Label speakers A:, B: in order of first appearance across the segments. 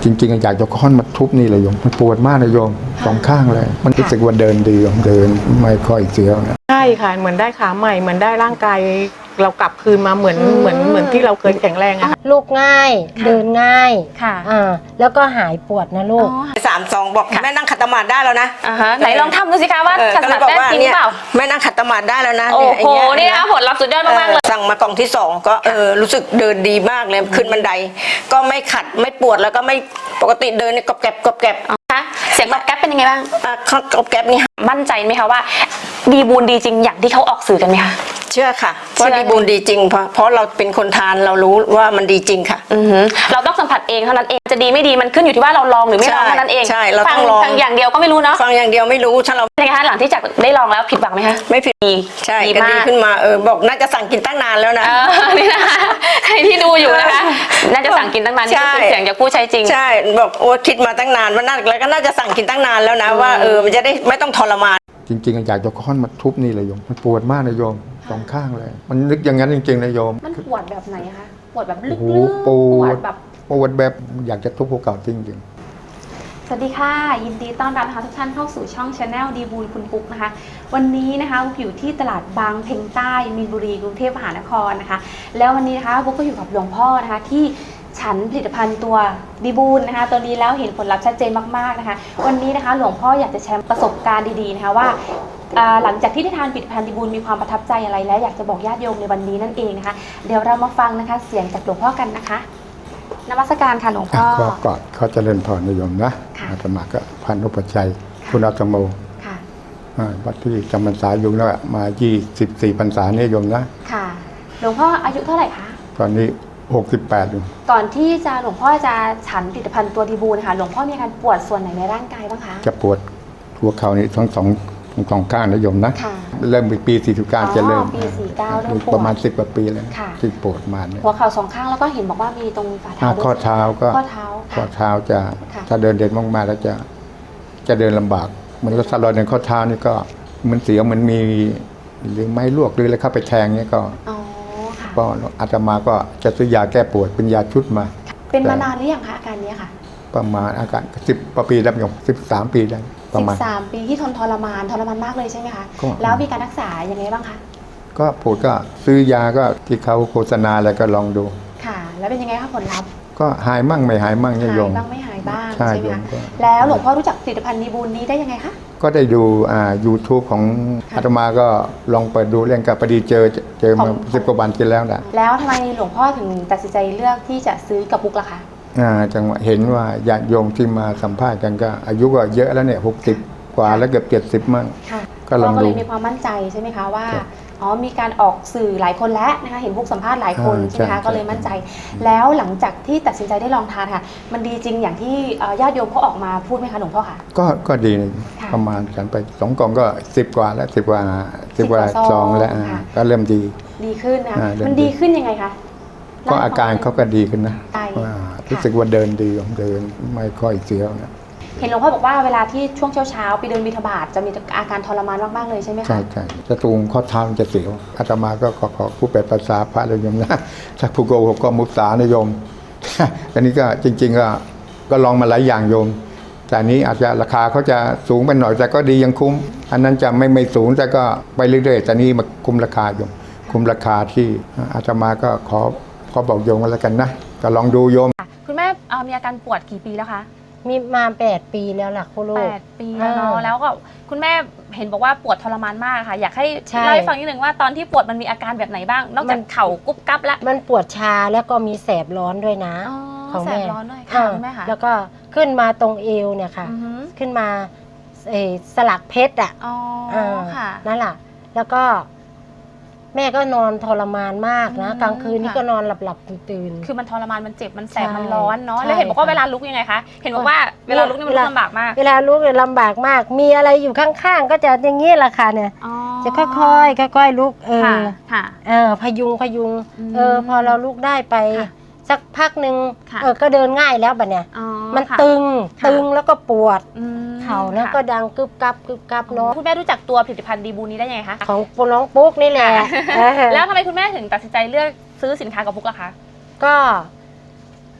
A: จริงๆอยากจะค้อนมาทุบนี่เลยโยมมันปวดมากนะโยมสองข้างเลยมันรู้สึกว่าเดินดีโยมเดินไม่ค่อยเสียวนะ
B: ใช่ค่ะเหมือนได้ขาใหม่เหมือนได้ร่างกายเรากลับคืนมาเหมือนที่เราเคยแข็งแรงอะค่ะ
C: ลูกง่ายเดินง่าย
D: ค่ะ
C: แล้วก็หายปวดนะลูก
E: 3-2บอกแม่นั่งขัดสมาธิได้แล้วนะ
D: ไหนลองทำดูสิคะว่าขัดสมาธิได้จริงหรือเปล่า
E: แม่นั่งขัดสมาธิได้แล้วนะ
D: โอ้โหนี่นะผลลัพธ์สุดยอดมากๆเลย
E: สั่งมากล่องที่2ก็รู้สึกเดินดีมากเลยขึ้นบันไดก็ไม่ขัดไม่ปวดแล้วก็ไม่ปกติเดินเนี่ยกรอบแกรบกรอบแกรบ
D: เสียงกรอบแกรบเป็นยังไงบ้าง
E: กรอบแกรบนี่
D: มั่นใจไหมคะว่าดีบูนดีจริงอย่างที่เขาออกสื่อกันไหมคะ
E: เชื่อค่ะว่าดีบูนดีจริงเพราะเราเป็นคนทานเรารู้ว่ามันดีจริงค่ะ
D: เราต้องสัมผัสเองเท่านั้นเองจะดีไม่ดีมันขึ้นอยู่ที่ว่าเราลองหรือไม่ลองเท่านั้นเอง
E: ใช่เราต้องลอง
D: ฟังอย่างเดียวก็ไม่รู้เนาะ
E: ฟังอย่างเดียวไม่รู้ถ้าเรา
D: เป็นไงคะหลังที่จากได้ลองแล้วผิดหวังไหมคะ
E: ไม่ผิดใช่ก็ดีขึ้นมาบอกน่าจะสั่งกินตั้งนานแล้วนะ
D: นี่นะใครที่ดูอยู่นะคะน่าจะสั่งกินตั้งนานนี่เป็นเสียงจากผู้ใช้จริง
E: ใช่บอกโอ้คิดมาตั้งนานว่าน่าแล้วก็น่าจะสั่งกินตั้งนานแล้วนะว่ามันจะได้ไม่ต้องทรมาน
A: จริงๆอยากจะค้อนมาทุบนี่เลยโยมมันปวดมากนะโยมสองข้างเลยมันนึกอย่างนั้นจริงๆนะโยม
D: มันปวดแบบไหนคะปวดแบบลึก
A: ๆปวดแบบอยากจะทุบภูเขาจริง
D: สวัสดีค่ะยินดีต้อนรับนะคะทุกท่านเข้าสู่ช่อง Channel ดีบูลคุณปุ๊กนะคะวันนี้นะคะบุ๊กอยู่ที่ตลาดบางเพ็งใต้มีนบุรีกรุงเทพมหานครนะคะแล้ววันนี้นะคะบุ๊กก็อยู่กับหลวงพ่อนะคะที่ฉันผลิตภัณฑ์ตัวดีบูลนะคะตัวนี้แล้วเห็นผลลัพธ์ชัดเจนมากๆนะคะวันนี้นะคะหลวงพ่ออยากจะแชร์ประสบการณ์ดีๆนะคะว่าหลังจากที่ได้ทานผลิตภัณฑ์ดีบูลมีความประทับใจอะไรและอยากจะบอกญาติโยมในวันนี้นั่นเองนะคะเดี๋ยวเรามาฟังนะคะเสียงจากหลวงพ่อกันนะคะนมัสการค่ะหลวงพ่อ
A: ก็เขาเจริญพรนิยมนะอาตมาก็พันธุปชัยคุณอาตโมวัดที่จำพรรษาอยู่แล้วมา24พรรษาเนี่ยโยมนะ
D: ค่ะหลวงพ่ออายุเท่าไหร่คะ
A: ตอนนี้68อยู่
D: ก่อนที่จะหลวงพ่อจะฉันผลิตภัณฑ์ตัวดีบูลนะคะหลวงพ่อมีอาการปวดส่วนไหนในร่างกายบ้างคะ
A: จะปวดหัวเข่านี่ทั้งสองข้างนะโยมนะเริ่มปี49จะเริ่ม
D: ปี49เริ่มปวด
A: ประมาณ10 กว่าปีแล้วที่ปวดมาเนี่ย
D: หัวเข่าสองข้างแล้วก็เห็นบอกว่ามีตรงฝ่าเท้า
A: ข้อเท้าก็ข้อเท้าจะถ้าเดินเด่นมากๆแล้วจะเดินลำบากเหมือนรถสลอยในข้อเท้านี่ก็มันเสียวเหมือนมีหรือไม้ลวกหรืออะไรเข้าไปแทงเนี่ยก็อาตมาก็จะซื้อยาแก้ปวดเป็นยาชุดมา
D: เป็นมานานหรือยังคะอาการนี้ค่ะ
A: ประมาณอาการ10 ปีแล้วโยม13 ปีได้ประมาณ
D: 13 ปีที่ทรมานมากเลยใช่ไหมคะแล้วมีการรักษายังไงบ้างคะ
A: ก็ปวดก็ซื้อยาก็ที่เขาโฆษณาแล้วก็ลองดู
D: ค่ะแล้วเป็นยังไงคะผลลัพธ์
A: ก็หายมั่งไม่หายมั่งโยม
D: หายบ้างไม่หายบ้างใช่ไหมคะแล้วหลวงพ่อรู้จักผลิตภัณฑ์ดีบูลนี้ได้ยังไงคะ
A: ก็ได้ดูYouTube ของอาตมาก็ลองเปิดดูเรื่องกับพอดีเจอมา10 กว่าวันกินแล้วนะ
D: แล้วทำไมหลวงพ่อถึงตัดสินใจเลือกที่จะซื้อกับบุ๊กล่ะคะ
A: จังหวะเห็นว่าญาติโยมที่มาสัมภาษณ์กันก็อายุก็เยอะแล้วเนี่ย60 กว่าแล้วเกือบ70มั่ง
D: ก็ลองดูก็เลยมีความมั่นใจใช่ไหมคะว่ามีการออกสื่อหลายคนแล้วนะคะเห็นบุ๊กสัมภาษณ์หลายคนใช่ไหมคะก็เลยมั่นใจแล้วหลังจากที่ตัดสินใจได้ลองทานค่ะมันดีจริงอย่างที่ญาติโยมเขาออกมาพูดไหมคะหลวงพ่อค่ะ
A: ก็ดีประมาณฉันไป2 กล่องก็10 กว่าแล้ว10 กว่าซองแล้วก็เริ่ม
D: ดีขึ้นนะมันดีขึ้นยังไงคะ
A: ก็อาการเขาก็ดีขึ้นนะรู้สึกว่าเดินดีเดินไม่ค่อยเสียวนะ
D: เห็นหลวงพ่อบอกว่าเวลาที่ช่วงเช้าไปเดินบิณฑบาตจะมีอาการทรมานมากๆเลยใช่ไหมคะ
A: ใช่จะตรงข้อเท้าจะเสียวอาตมาก็ขอผู้แปลภาษาพระเลยโยมนะถ้าผู้โกหกก็มุสานะโยมอันนี้ก็จริงๆก็ลองมาหลายอย่างโยมแต่นี้อาจจะราคาเขาจะสูงไปหน่อยแต่ก็ดียังคุ้มอันนั้นจะไม่สูงแต่ก็ไปเรื่อยๆแต่นี้มาคุ้มราคาโยมคุ้มราคาที่อาตมาก็ขอบอกโยมกันแล้วกันนะก็ลองดูโยม
D: คุณแม่มีอาการปวดกี่ปีแล้วคะ
C: มีมา8 ปีแล้วล่ะคุณลูก
D: 8 ปีแล้วเนาะแล้วก็คุณแม่เห็นบอกว่าปวดทรมานมากค่ะอยากให้เล่าให้ฟังนิดนึงว่าตอนที่ปวดมันมีอาการแบบไหนบ้างนอกจากเข่ากุ๊บกั๊บแล้ว
C: มันปวดชาแล้วก็มีแสบร้อนด้วยนะ
D: ของแสบร้อนด้วยค่ะคุณแม่ค่ะ
C: แล้วก็ขึ้นมาตรงเอวเนี่ยค่ะขึ้นมาสลักเพชรนั่นแหละแล้วก็แม่ก็นอนทรมานมากนะกลางคืนนี่ก็นอนหลับตื่น
D: คือมันทรมานมันเจ็บมันแสบมันร้อนเนาะแล้วเห็นบอกว่าเวลาลุกยังไงคะเห็นบอกว่าเวลาลุกนี่มันลำบากมาก
C: เวลาลุกเนี่ยลำบากมากมีอะไรอยู่ข้างๆก็จะอย่างนี้แหละค่ะเนี่ยจะค่อยๆลุกพยุงพอเราลุกได้ไปสักพักหนึ่งก็เดินง่ายแล้วบัดเนี่ยมันตึงแล้วก็ปวดเข่าแล้วก็ดังกึบกับเนาะ
D: คุณแม่รู้จักตัวผลิตภัณฑ์ดีบูนี้ได้ยังไงคะ
C: ของน้องปุ๊กนี่แหละ
D: แล้วทำไมคุณแม่ถึงตัดสินใจเลือกซื้อสินค้ากับปุ๊กล่ะคะ
C: ก็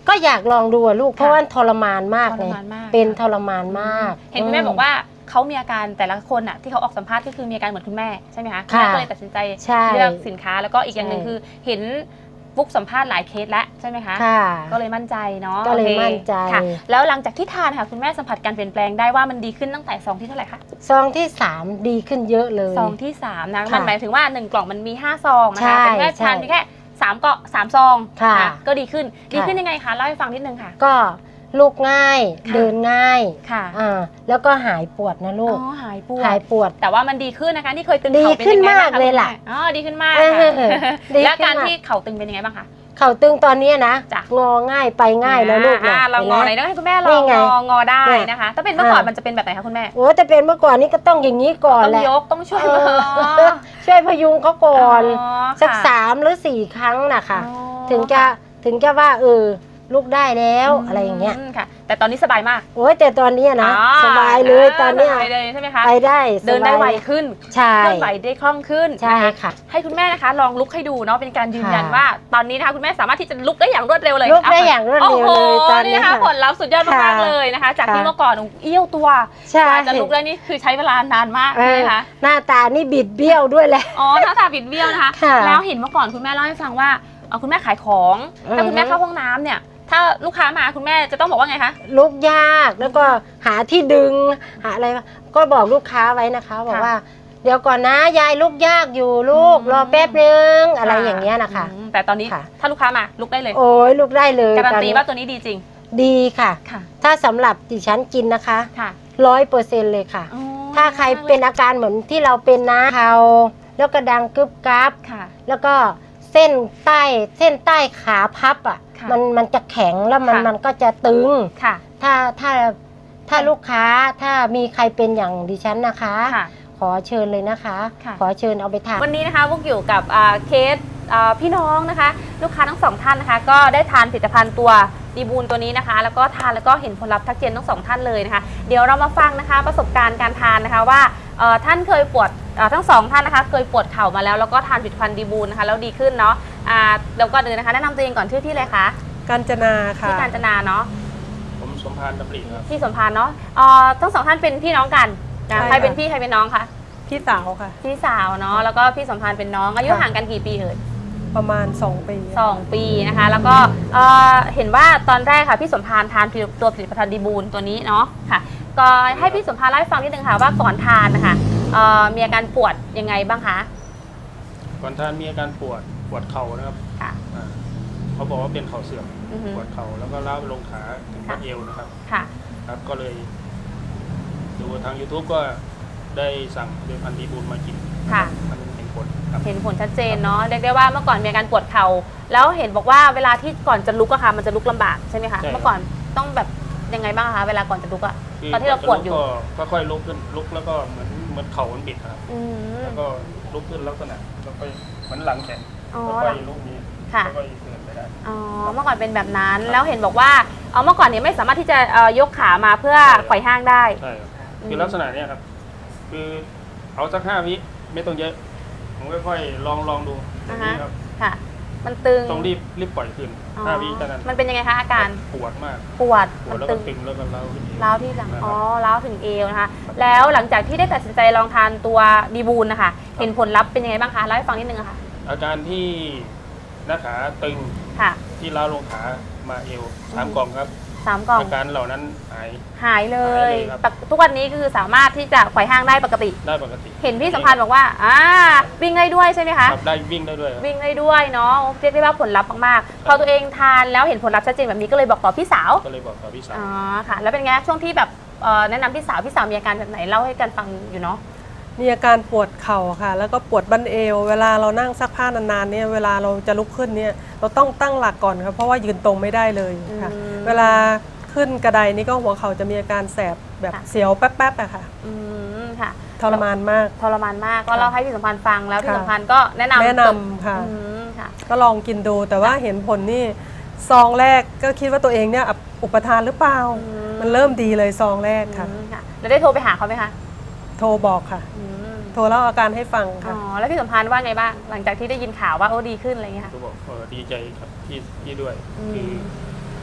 C: ก็อยากลองดูอะลูกเพราะว่าทรมานมาก
D: ท
C: เล
D: ร
C: ย
D: มานมาก
C: เป็นทรมานมาก
D: เห็นคุณแม่บอกว่าเขามีอาการแต่ละคนอ่ะที่เขาออกสัมภาษณ์ก็คือมีอาการเหมือนคุณแม่ใช่ไหมคะคุณ
C: ค่ะ
D: แม่ก็เลยตัดสินใจ
C: ใช่
D: เลือกสินค้าแล้วก็อีกอย่างหนึ่ง
C: ใช่
D: คือเห็นฟุกสัมภาษณ์หลายเคสแล้วใช่ไหมคะ
C: ค่ะ
D: ก็เลยมั่นใจเนาะ
C: ก็เลย
D: โอค
C: มั่นใจ
D: ค่ะ แล้วหลังจากที่ทานค่ะคุณแม่สัมผัสการเปลี่ยนแปลงได้ว่ามันดีขึ้นตั้งแต่ซองที่เท่าไหร่คะ
C: ซองที่ 3 ดีขึ้นเยอะเลย
D: ซองที่3นะ
C: ค่ะ
D: มันหมายถึงว่า1กล่องมันมี5ซองนะ
C: ใช่
D: คะแต่คุณแม่ทาน
C: ใช่
D: เพียงแค่3ก็3ซอง
C: ค่ะ
D: นก็ดีขึ้น
C: ค่ะ
D: ดีขึ้นยังไงคะเล่าให้ฟังนิดนึงค่ะ
C: ก็ลูกง่าย
D: ค่ะ
C: เดินง่าย
D: ค่ะ
C: แล้วก็หายปวดนะลูก
D: อ๋อหายปว
C: หาย
D: ด
C: ปวด
D: แต่ว่ามันดีขึ้นนะคะที่เคยตึง
C: ดี
D: เข่าเป็น
C: ขึ้น
D: ยังไงบ้าง
C: มากเลยล่ะ
D: คุณแม่อ๋อดีขึ้นมาก
C: เอ
D: ค่ะ
C: อดี
D: แล้ว
C: ขึ้น
D: การ
C: มาก
D: ที่เข่าตึงเป็นยังไงบ้างคะ
C: เข่าตึงตอนเนี้ยนะ
D: จ้ะ
C: งอง่ายไปง่ายแล้วลูก
D: เรางอไหน
C: ห็
D: ต้องให้คุณแม่ล
C: นี่
D: อง
C: ไง
D: งอได้
C: เนี่ย
D: นะคะ ถ้าเป็นเมื่อก่อนมันจะเป็นแบบไหนคะคุณแม่
C: โอ้แต่เป็นเมื่อก่อนนี้ก็ต้องอย่างนี้ก่อน
D: ต้อง
C: แหละ
D: ยกต้องช่วย
C: เอ
D: มือ
C: อช่วยพยุงเขาก่อน
D: อ๋อ
C: สัก
D: ค่ะ
C: 3 หรือ 4 ครั้งนะคะ
D: อ๋อ
C: ถึงจะว่าลูกได้แล้วอะไรอย่างเงี้ย
D: มค่ะ แต่ตอนนี้สบายมาก
C: โอ้ยแต่ตอนเนี้ยนะ
D: อ๋อ
C: สบายเลยตอนเนี้ย
D: สบายเลยใช่ไหมคะ
C: ไปได้สบาย
D: เดินได้ไวขึ้น
C: ใช่
D: เคลื่อนไหวได้คล่องขึ้น
C: ใช่
D: น
C: ค่ะ
D: ให้คุณแม่นะคะลองลุกให้ดูเนาะเป็นการยืนยัน
C: ค่ะ
D: ว่า ตอนนี้นะคะคุณแม่สามารถที่จะลุกได้อย่างรวดเร็วเลย
C: ลุกได้อย่างรวดเร็วเลย
D: โอ้โห
C: ตอนนี้
D: นี่นะคะ
C: ค่ะ
D: ผลลัพธ์สุดยอดมาก
C: ค่ะ
D: ๆเลยนะคะ จากที่
C: ค่ะ
D: เมื่อก่อนเอี้ยวตัว
C: ใช่
D: กว่าจะลุกได้นี่คือใช้เวลานานมาก
C: เอ
D: ใช่
C: อ
D: ไหมคะ
C: หน้าตานี่บิดเบี้ยวด้วยแหละ
D: อ๋อหน้าตาบิดเบี้ยวนะคะ
C: ค่ะ
D: แล้วเห็นเมื่อก่อนคุณแม่เล่าให้ฟังว่าคุณแม่ขายของ ถ้าคุณแม่เข้าห้องน้ำเนี่ย ถ้าลูกค้ามาคุณแม่จะต้องบอกว่าไงคะ
C: ลุกยากแล้วก็หาที่ดึงหาอะไรก็บอกลูกค้าไว้นะคะบอกว่า เดี๋ยวก่อนนะยายลุกยากอยู่ลูก
D: อืม
C: รอแป๊บนึงอะไรอย่างเงี้ยนะคะ
D: แต่ตอนนี้
C: ค่ะ
D: ถ้าลูกค้ามาลุกได้เลย
C: โอ้ยลุกได้เลย
D: การัน
C: ตอ
D: ตี
C: นี้
D: ว่าตัวนี้ดีจริง
C: ดีค่ะ
D: ค่ะ
C: ถ้าสำหรับดิฉันกินนะคะ
D: ค่ะ
C: 100%เลยค่ะ
D: อ๋อ
C: ถ้าใครเป็นอาการเหมือนที่เราเป็นนะเขาแล้วก็ดังกึบกับ
D: ค่ะ
C: แล้วก็เส้นใต้ขาพับอ่ะ
D: ค่ะ
C: มันจะแข็งแล้ว
D: ค่ะ
C: มันก็จะตึง
D: ค่ะ
C: ถ้าลูกค้าถ้ามีใครเป็นอย่างดิฉันนะคะ
D: ค่ะ
C: ขอเชิญเลยนะคะ
D: ค่ะ
C: ขอเชิญเอาไปทาน
D: วันนี้นะคะพวกอยู่กับเคสพี่น้องนะคะ ลูกค้าทั้งสองท่านนะคะ ก็ได้ทานผลิตภัณฑ์ตัวดีบูลตัวนี้นะคะ แล้วก็ทานแล้วก็เห็นผลลัพธ์ทักเจนทั้งสองท่านเลยนะคะ เดี๋ยวเรามาฟังนะคะประสบการณ์การทานนะคะว่าท่านเคยปวดทั้งสองท่านนะคะเคยปวดเข่ามาแล้วก็ทานผลิตภัณฑ์ดีบูลนะคะแล้วดีขึ้นเนาะแล้วก็เดินนะคะแนะนำตัวเองก่อนชื่อที่เลยคะ
F: กาญจนาค่ะ
D: ที่กาญจนาเนาะ
G: ผมสมพานดำริครับ
D: ที่สมพานเนาะทั้งสองท่านเป็นพี่น้องกันนะ
F: ใช่ค่ะ
D: ใครเป็นพี่ใครเป็นน้องคะ
F: พี่สาวค่ะ
D: พี่สาวเนาะแล้วก็พี่สมพานเป็นน้องอายุ
F: ค่ะ
D: ห่างกันกี่ปีเอ่ย
F: ประมาณ 2 ปี
D: 2 ปีนะคะแล้วก็เห็นว่าตอนแรกค่ะพี่สมพานทานตัวผลิตภัณฑ์ดีบูลตัวนี้เนาะค่ะก็ให้พี่สมพานเล่าให้ฟังนิดนึงค่ะว่าก่อนทานนะคะมีอาการปวดยังไงบ้างคะ
G: ก่อนท่านมีอาการปวดเข่านะครับ
D: ค่ะ
G: เขาบอกว่าเป็นเข่าเสื่อม
D: อือฮึ
G: ปวดเข่าแล้วก็ล้าวไปลงขาถึง
D: ค่ะ
G: บัดเอวนะครับ
D: ค่ะ
G: ครับ ก็เลยดูทาง YouTube ก็ได้สั่งเดือนพันธีบูลมากิน
D: ค่ะ
G: มันเห็นผลครับ
D: เห็นผลชัดเจนเนาะเรียกได้ว่าเมื่อก่อนมีอาการปวดเข่าแล้วเห็นบอกว่าเวลาที่ก่อนจะลุกอะค่ะมันจะลุกลำบากใช่ไหมคะ
G: ใช่ครับ
D: เมื่อก่อนต้องแบบยังไงบ้างคะเวลาก่อนจะลุกอะ
G: คื
D: ตอนที่เราปวดอยู่
G: ก็ค่อยๆลุกขึ้นลุกแล้วก็เหมือนเข่ามันบิดครับ
D: อืม
G: แล้วก็ลุกขึ้นลักษณะแล้วก็เหมือนหลังแข็ง
D: อ๋อ
G: แล้วก็ลุกนี้
D: ค่ะ
G: แล้วก็เดินไปได้
D: อ๋อเมื่อก่อนเป็นแบบนั้นแล้วเห็นบอกว่าเมื่อก่อนเนี่ยไม่สามารถที่จะยกขามาเพื่อ
G: ใช่ครับ
D: ไขว่ห้างได้
G: ใช่ครับ
D: อืม
G: คือลักษณะเนี้ยครับ คือเอาสัก5 วิไม่ต้องเยอะ ผมค่อยๆลองดูอย่างนี้ครับ
D: ค่ะ มันตึง
G: ต้องรีบปล่อยคืน
D: อ๋อ
G: 5 วิเท่านั้น
D: มันเป็นยังไงคะอาการ
G: ปวดมาก
D: ปวด
G: ปว
D: มั
G: ด
D: น
G: แล้ว
D: ตึ
G: ก็
D: ง
G: ตึงแล้วก็เล้าขึ้นอีก
D: ร้าวที่หลัง
G: นะครับ
D: อ๋อร้าวถึงเอวนะคะ แล้วหลังจากที่ได้ตัดสินใจลองทานตัวดีบูลนะคะ เห็นผลลัพธ์เป็นยังไงบ้างคะเล่าให้ฟังนิดนึงอะค่ะ
G: อาการที่หน้าขาตึง
D: ค่ะ
G: ที่เล้าลงขามาเอว3 กล่องครับ
D: 3 กล่อง
G: อาการเหล่านั้นหาย
D: หายเล
G: หายเลย ยครับ
D: ทุกวันนี้คือสามารถที่จะไขว่ห้างได้ปกติ
G: ได้ปกติ
D: เห็นพี่สัมพันธ์บอกว่าวิ่งได้ด้วยใช่ไหมคะ
G: ครับได้วิ่งได้ด้วยครับ
D: วิ่งได้ด้วยเนาะเรียกได้ว่าผลลัพธ์มากๆ พอตัวเองทานแล้วเห็นผลลัพธ์ชัดเจนแบบนี้ก็เลยบอกต่อพี่สาว
G: ก็เลยบอกกับพี่สาว
D: อ๋อค่ะ แล้วเป็นไงช่วงที่แบบแนะนำพี่สาวมีอาการแบบไหนเล่าให้กันฟังอยู่เนาะ
F: มีอาการปวดเข่าค่ะ แล้วก็ปวดบั้นเอว เวลาเรานั่งซักผ้านานๆเนี่ยเวลาเราจะลุกขึ้นเนี่ยเราต้องตั้งหลักก่อนครับเพราะว่ายืนตรงไม่ได้เลยค่ะ
D: อืม
F: เวลาขึ้นกระไดนี่ก็หัวเข่าจะมีอาการแสบแบบ
D: ค่ะ
F: เสียวแป๊บๆอะค่ะ
D: อืมค่ะ
F: ทรมานมาก
D: ทรมานมากก็เล่าให้พี่สัมพันธ์ฟังแล้วพี่
F: ค่ะ
D: สัมพันธ์ก็แนะนำ
F: แนะนำค่ะ
D: อืมค่ะ
F: ก็ลองกินดูแต่ว่าเห็นผลนี่ซองแรกก็คิดว่าตัวเองเนี่ยอุปทานหรือเปล่า
D: อืม
F: มันเริ่มดีเลยซองแรกค่ะ
D: อืมค่ะแล้วได้โทรไปหาเขาไหมคะ
F: โทรบอกค่ะ
D: อืม
F: โทรเล่าอาการให้ฟัง
D: อ๋
F: ค่ะ
D: อแล้วพี่สัมพันธ์ว่าไงบ้างหลังจากที่ได้ยินข่าวว่าโอ้ดีขึ้นอะไรเงี้ยค่ะ
G: ก็บอกดีใจครับพี่ด้วย
D: อืม
G: คือ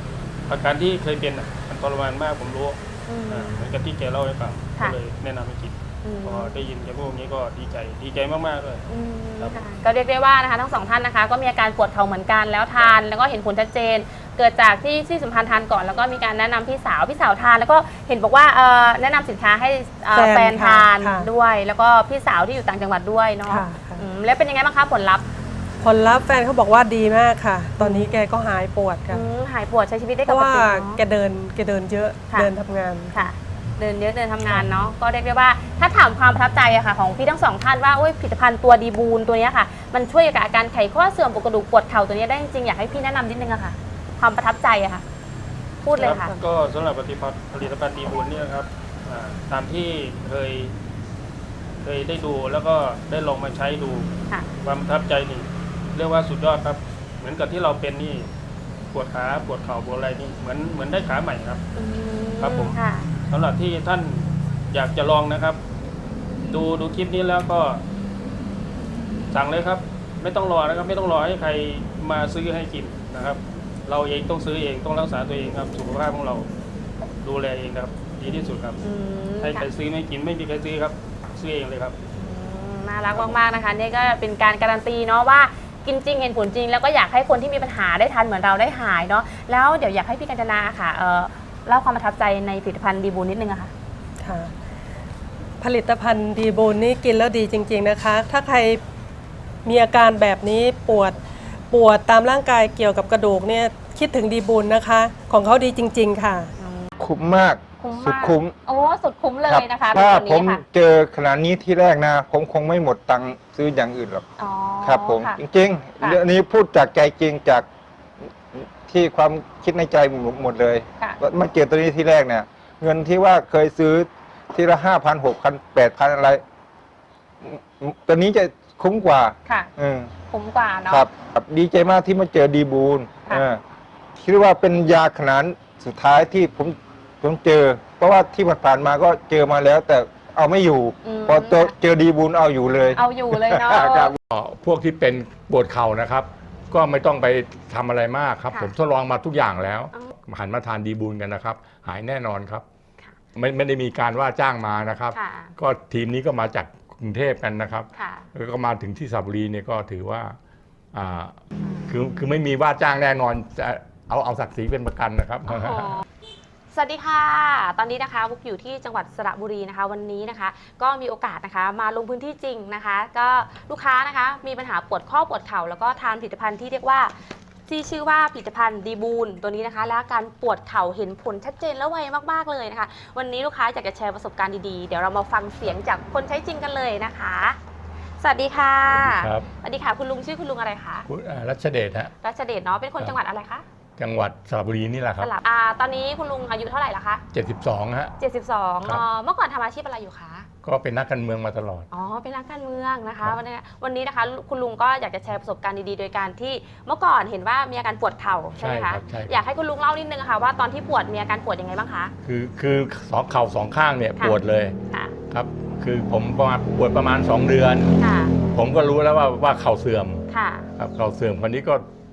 G: อาการที่เคยเป็นมันทรมานมากผมรู้ เหมือนกับที่แกเล่าให้ฟังก็
D: ค่ะ
G: เลยแนะนำให้กินพอได้ยินแกพูดอย่างนี้ก็ดีใจมากๆเลย ครับ
D: ค่ะก็เรียกได้ว่านะคะทั้งสองท่านนะคะก็มีอาการปวดเข่าเหมือนกันแล้วทานแล้วก็เห็นผลชัดเจน เกิดจากที่สัมพันธ์ทานก่อนแล้วก็มีการแนะนำพี่สาวทานแล้วก็เห็นบอกว่าแนะนำสินค้าให้แฟนทาน
F: ค่ะ
D: ด้วย แล้วก็พี่สาวที่อยู่ต่างจังหวัดด้วยเนาะ
F: ค่ะ
D: แล้วเป็นยังไงบ้างคะผลลัพธ์
F: ผลลัพธ์แฟนเขาบอกว่าดีมากค่ะ ตอนนี้แกก็หายปวดค่ะ
D: หายปวดใช้ชีวิตได้
F: เพ
D: ป
F: ราะ
D: ก
F: ว่า
D: ติ
F: แกเดินเยอะ
D: ค่ะ
F: เดินทำงาน
D: ค่ะ เดินเยอะเดินทำงานเนาะก็เรียกได้ว่าถ้าถามความประทับใจอะค่ะของพี่ทั้งสองท่านว่าผลิตภัณฑ์ตัวดีบูนตัวเนี้ยค่ะมันช่วยกับอาการไขข้อเสื่อมปวดกระดูกปวดเข่าตัวเนี้ยได้จริงๆอยากให้พี่แนะนำนิดนึงอะค่ะ ความประทับใจอะค่ะ พูดเลยค่ะ
G: ก็สำหรับผลิตภัณฑ์ดีบุญเนี่ยครับตามที่เคยได้ดูแล้วก็ได้ลองมาใช้ดู
D: ค่ะ
G: ความประทับใจนี่เรียกว่าสุดยอดครับ เหมือนกับที่เราเป็นนี่ปวดขาปวดเข่าปวดอะไรนี่เหมือนได้ขาใหม่ครับ ครับผม
D: ค่ะ
G: สำหรับที่ท่านอยากจะลองนะครับ ดูคลิปนี้แล้วก็สั่งเลยครับ ไม่ต้องรอนะครับ ไม่ต้องรอให้ใครมาซื้อให้กินนะครับ เราเองต้องซื้อเองต้องรักษาตัวเองครับสุขภาพของเราดูแลเองครับ ดีที่สุดครับให้ใครซื้อไม่กินไม่มีใครซื้อครับซื้อเองเลยครับ
D: น่ารักมากๆนะคะนี่ก็เป็นการการันตีเนาะว่ากินจริงเห็นผลจริง แล้วก็อยากให้คนที่มีปัญหาได้ทานเหมือนเราได้หายเนาะแล้วเดี๋ยวอยากให้พี่กัญจนาค่ะเล่าความประทับใจในผลิตภัณฑ์ดีบูนนิดนึงอะค่ะ
F: ค่ะ ผลิตภัณฑ์ดีบูนนี่กินแล้วดีจริง ๆนะคะ ถ้าใครมีอาการแบบนี้ปวดตามร่างกายเกี่ยวกับกระดูกเนี่ยคิดถึงดีบูนนะคะ ของเขาดีจริง ๆ ค่ะ
A: คุ้มมาก
D: คุ้ม
A: สุด
D: มาก
A: คุ้ม
D: โอ้สุดคุ้มเล
A: ครั
D: ยนะคะ
A: ถ้า
D: ตัว
A: ผม
D: นี้ค่ะ
A: เจอขนาดนี้ที่แรกนะ ผมคงไม่หมดตังค์ซื้ออย่างอื่นหรอก
D: อ๋อ
A: ครับผม
D: ค่ะ
A: จริง
D: ค่ะ
A: ๆเรื่องนี้พูดจากใจจริงจากที่ความคิดในใจหมดเลย
D: ค่ะ
A: มาเจอตัวนี้ที่แรกเนี่ย เงินที่ว่าเคยซื้อทีละ5,000 6,000 8,000อะไรตัวนี้จะคุ้มกว่า
D: ค่ะ
A: อืม
D: คุ้มกว่าเนาะ
A: ครับดีใจมากที่มาเจอดีบูล
D: ค่ะ
A: คิดว่าเป็นยาขนาดสุดท้ายที่ผมเจอ เพราะว่าที่ผ่านๆมาก็เจอมาแล้ว แต่เอาไม่อยู่ พอเจอดีบูลเอาอยู่เลย
D: เอาอยู่เลยเนาะ
A: ครับ
H: พวกที่เป็นปวดเข่านะครับ ก็ไม่ต้องไปทำอะไรมากครับ
D: ค่ะ
H: ผมทดลองมาทุกอย่างแล้ว
D: อ๋อ
H: หันมาทานดีบูลกันนะครับ หายแน่นอนครับ
D: ค่ะ
H: ไม่ได้มีการว่าจ้างมานะครับ
D: ค่ะ
H: ก็ทีมนี้ก็มาจากกรุงเทพกันนะครับ
D: ค่ะ
H: แล้วก็มาถึงที่สระบุรีเนี่ยก็ถือว่าคือไม่มีว่าจ้างแน่นอนจะเอาศักดิ์ศรีเป็นประกันนะครับ
D: โอ้โหสวัสดีค่ะ ตอนนี้นะคะบุ๊กอยู่ที่จังหวัดสระบุรีนะคะ วันนี้นะคะ ก็มีโอกาสนะคะ มาลงพื้นที่จริงนะคะ ก็ลูกค้านะคะ มีปัญหาปวดข้อปวดเข่าแล้วก็ทานผลิตภัณฑ์ที่เรียกว่าที่ชื่อว่าผลิตภัณฑ์ดีบูนตัวนี้นะคะ และอาการปวดเข่าเห็นผลชัดเจนและไวมากๆเลยนะคะ วันนี้ลูกค้าอยากจะแชร์ประสบการณ์ดีๆ เดี๋ยวเรามาฟังเสียงจากคนใช้จริงกันเลยนะคะ สวัสดีค่ะ
H: ครับ
D: สวัสดีค่ะคุณลุงชื่อคุณลุงอะไรคะ
H: คุณรัชเดชฮะ
D: รัชเดชเนาะเป็นคนจังหวัดอะไรคะ
H: จังหวัดสระบุรีนี่แหละค
D: ส
H: รับ
D: ลับตอนนี้คุณลุงอายุเท่าไหร่ละคะ
H: 72ฮะ
D: 72
H: ครับ
D: เมื่อก่อนทำอาชีพอะไรอยู่คะ
H: ก็เป็นนักการเมืองมาตลอด
D: อ๋อ เป็นนักการเมืองนะ
H: ครั
D: คะ
H: บ
D: วันนี้นะคะคุณลุงก็อยากจะแชร์ประสบการณ์ดีๆ โดยการที่เมื่อก่อนเห็นว่ามีอาการปวดเข่าใช่ไหม
H: ครั
D: คะ
H: บใช่
D: อยากให้คุณลุงเล่านิดนึงค่ะว่าตอนที่ปวดมีอาการปวดยังไงบ้างคะ
H: คือสองเข่าสองข้างเนี่ย
D: ค่ะ
H: ปวดเลย
D: ค่ะ
H: ครับ คือผมปวดประมาณ 2 เดือน
D: ค่ะ
H: ผมก็รู้แล้วว่าเข่าเสื่อม
D: ค่ะ
H: ครับเข่าเสื่อมคนนี้ก็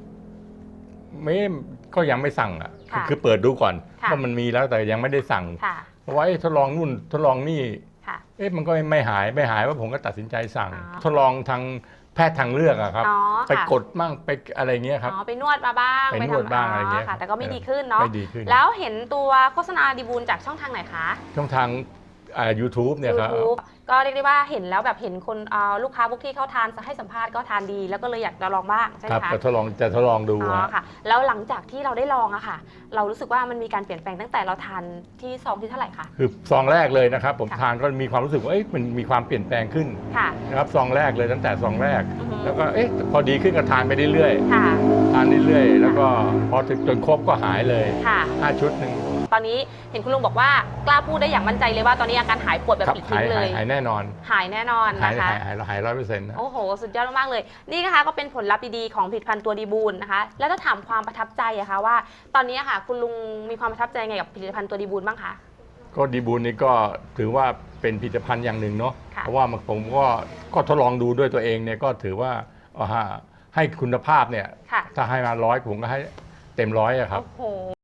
H: ก็ยังไม่สั่งอ่ะ
D: ค่ะ
H: คือเปิดดูก่อน
D: ค่ะ
H: ว่ามันมีแล้วแต่ยังไม่ได้สั่ง
D: ค่ะ
H: เพราะว่าทดลองนู่นทดลองนี่
D: ค่ะ
H: มันก็ไม่หายว่าผมก็ตัดสินใจสั่ง
D: อ๋อ
H: ทดลองทางแพทย์ทางเลือกอะครับ
D: อ๋อ
H: ไป
D: ค่ะ
H: กดมั่งไปอะไรเงี้ยครับ
D: อ๋อ ไปนวดมาบ้าง
H: ไปนวดบ้างอะไรเงี้ย
D: ค่ะ แต่ก็ไม่ดีขึ้นเนาะ
H: ไม่ดีขึ้น
D: แล้วเห็นตัวโฆษณาดีบูลจากช่องทางไหนคะ
H: ช่องทางYouTube เนี่ยครับ
D: YouTube ก็เรียกได้ว่าเห็นแล้วแบบเห็นคนลูกค้าพวกที่เขาทานให้สัมภาษณ์ก็ทานดีแล้วก็เลยอยากจะลองบ้างใช่ไห
H: ค
D: ม
H: รับ
D: คะ
H: จะทดลองดู
D: อ๋อ
H: ฮะ
D: ค่ะ แล้วหลังจากที่เราได้ลองอะค่ะ เรารู้สึกว่ามันมีการเปลี่ยนแปลงตั้งแต่เราทานที่ซองที่เท่าไหร่คะ
H: คือซองแรกเลยนะครับ ผม
D: ค่ะ
H: ทานก็มีความรู้สึกว่ามันมีความเปลี่ยนแปลงขึ้น
D: ค่ะ
H: นะครับซองแรกเลยตั้งแต่ซองแรก
D: อือฮึ
H: แล้วก็พอดีขึ้นก็ทานไปเรื่อย
D: ค่ะ
H: ๆทานเรื่อยๆแล้วก็พอถึงจนครบก็หายเลย
D: ค่ะ
H: 5 ชุดหนึ่ง
D: ตอนนี้เห็นคุณลุงบอกว่ากล้าพูดได้อย่างมั่นใจเลยว่าตอนนี้อาการหายปวดแบบ
H: ครับ
D: ปลิดทิ้งเลย
H: หายแน่นอน
D: หายแน่นอน
H: หาย
D: นะคะ
H: 100%นะ
D: โอ้โห สุดยอดมากๆเลย นี่นะคะก็เป็นผลลัพธ์ดีๆของผลิตภัณฑ์ตัวดีบูลนะคะ แล้วถ้าถามความประทับใจอะคะว่า ตอนนี้อะค่ะ คุณลุงมีความประทับใจไงกับผลิตภัณฑ์ตัวดีบูลบ้างคะ
H: ก็ดีบูลนี่ก็ถือว่าเป็นผลิตภัณฑ์อย่างหนึ่งเนาะ
D: ค่ะ
H: เพราะว่าผมก็ทดลองดูด้วยตัวเองเนี่ยก็ถือว่าให้คุณภาพเนี่ย
D: ค่ะ
H: ถ้าให้มา100ผมก็ให้เต็ม100อะครับ
D: โอ้โห